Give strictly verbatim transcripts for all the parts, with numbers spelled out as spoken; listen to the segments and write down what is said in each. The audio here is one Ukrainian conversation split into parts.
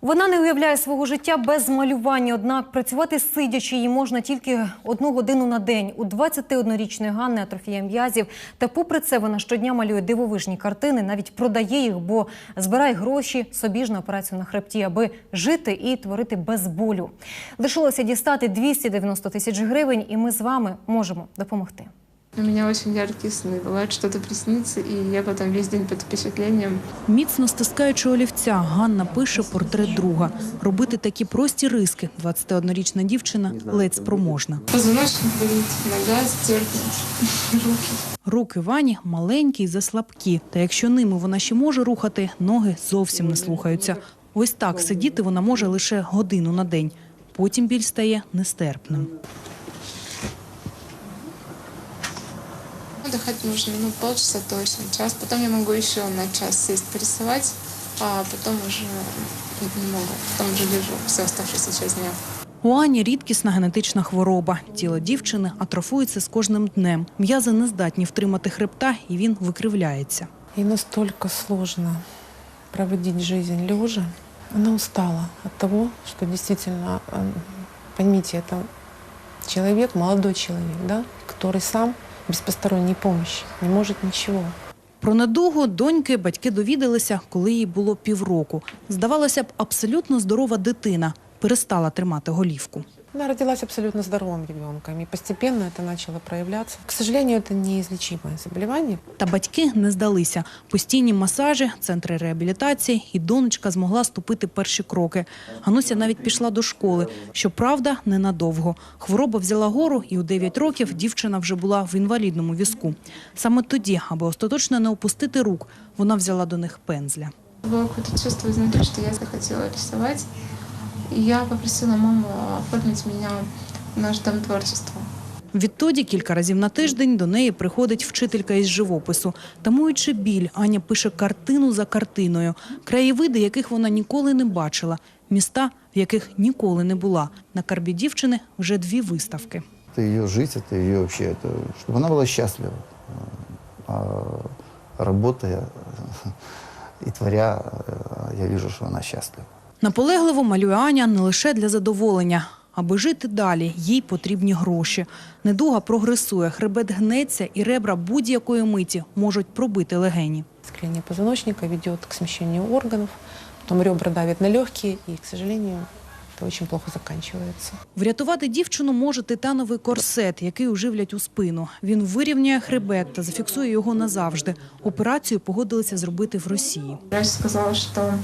Вона не уявляє свого життя без малювання, однак працювати сидячи їй можна тільки одну годину на день. У двадцятиоднорічної Ганни атрофія м'язів. Та попри це вона щодня малює дивовижні картини, навіть продає їх, бо збирає гроші собі ж на операцію на хребті, аби жити і творити без болю. Лишилося дістати двісті дев'яносто тисяч гривень, і ми з вами можемо допомогти. У меня очень яркие сны. Бывает, что-то приснится, и я потом весь день под впечатлением. Міцно стискаючи олівця, Ганна пише портрет друга. Робити такі прості риски двадцятиоднорічна дівчина ледь спроможна. Позвоночник болит, нога стерпнет, руки. Руки Вані маленькі й заслабкі. Та якщо ними вона ще може рухати, ноги зовсім не слухаються. Ось так сидіти вона може лише годину на день. Потім біль стає нестерпним. Отдыхать нужно ну, полчаса точно, час. Потом я могу еще на час сесть порисовать, а потом уже не могу. Потом уже лежу всю оставшуюся часть дня. У Ані рідкісна генетична хвороба. Тіло дівчини атрофується з кожним днем. М'язи не здатні втримати хребта, і він викривляється. Ей настолько сложно проводить жизнь лежа. Она устала от того, что действительно, поймите, это человек, молодой человек, да, который сам без посторонней помощи не может ничего. Про недугу доньки батьки довідалися, коли їй було півроку. Здавалося б, абсолютно здорова дитина перестала тримати голівку. Она родилась абсолютно здоровым ребенком, и постепенно это начало проявляться. К сожалению, это неизлечимое заболевание. Та батьки не здалися. Постійні масажі, центри реабілітації, і донечка змогла ступити перші кроки. Гануся навіть пішла до школи. Щоправда, ненадовго. Хвороба взяла гору, і у дев'ять років дівчина вже була в інвалідному візку. Саме тоді, аби остаточно не опустити рук, вона взяла до них пензля. Было какое-то чувство изнутри, что я захотела рисовать. И я попросила маму оформить меня в наш дом творчества. Відтоді кілька разів на тиждень до неї приходить вчителька із живопису. Тамуючи біль, Аня пише картину за картиною. Краєвиди, яких вона ніколи не бачила. Міста, в яких ніколи не була. На карбі дівчини вже дві виставки. Это ее жизнь, это ее вообще, это, чтобы она была счастлива. А работая и творя, я вижу, что она счастлива. Наполегливо малює Аня не лише для задоволення. Аби жити далі, їй потрібні гроші. Недуга прогресує, хребет гнеться і ребра будь-якої миті можуть пробити легені. Склеение позвоночника ведет к смещению органов, потом ребра давят на легкие, и, к сожалению, это очень плохо заканчивается. Врятувати дівчину може титановий корсет, який уживлять у спину. Він вирівняє хребет та зафіксує його назавжди. Операцію погодилися зробити в Росії. Врач сказала, что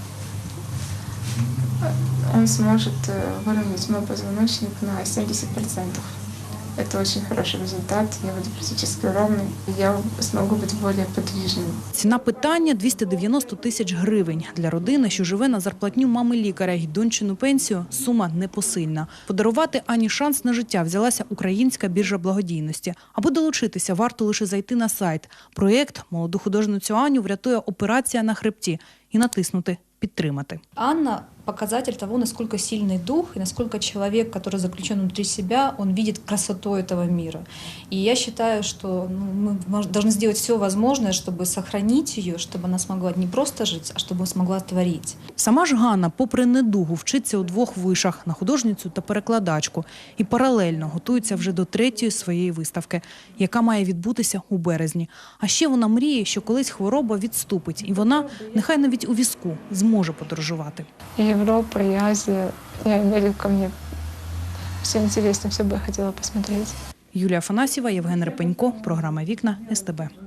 он сможет выровнять мой позвоночник на семьдесят процентов. Это очень хороший результат. Я буду практически ровной. Я смогу быть более подвижной. Ціна питання – двісті дев'яносто тисяч гривень. Для родини, що живе на зарплатню мами лікаря й дончину пенсію, сума непосильна. Подарувати Ані шанс на життя взялася Українська біржа благодійності. Аби долучитися, варто лише зайти на сайт. Проєкт молоду художницю Аню врятує операція на хребті і натиснути «Підтримати». Анна – показатель того, насколько сильный дух и насколько человек, который заключен внутри себя, он видит красоту этого мира. И я считаю, что ну, мы должны сделать все возможное, чтобы сохранить ее, чтобы она смогла не просто жить, а чтобы смогла творить. Сама ж Ганна, попри недугу, вчиться у двох вишах – на художницю та перекладачку. І паралельно готується вже до третьої своєї виставки, яка має відбутися у березні. А ще вона мріє, що колись хвороба відступить, і вона, нехай навіть у візку, зможе подорожувати. Европа, и Азия, и Америка мне все интересно, все бы я хотела посмотреть. Юлія Афанасьєва, Євген Репенько, програма «Вікна», ес те бе.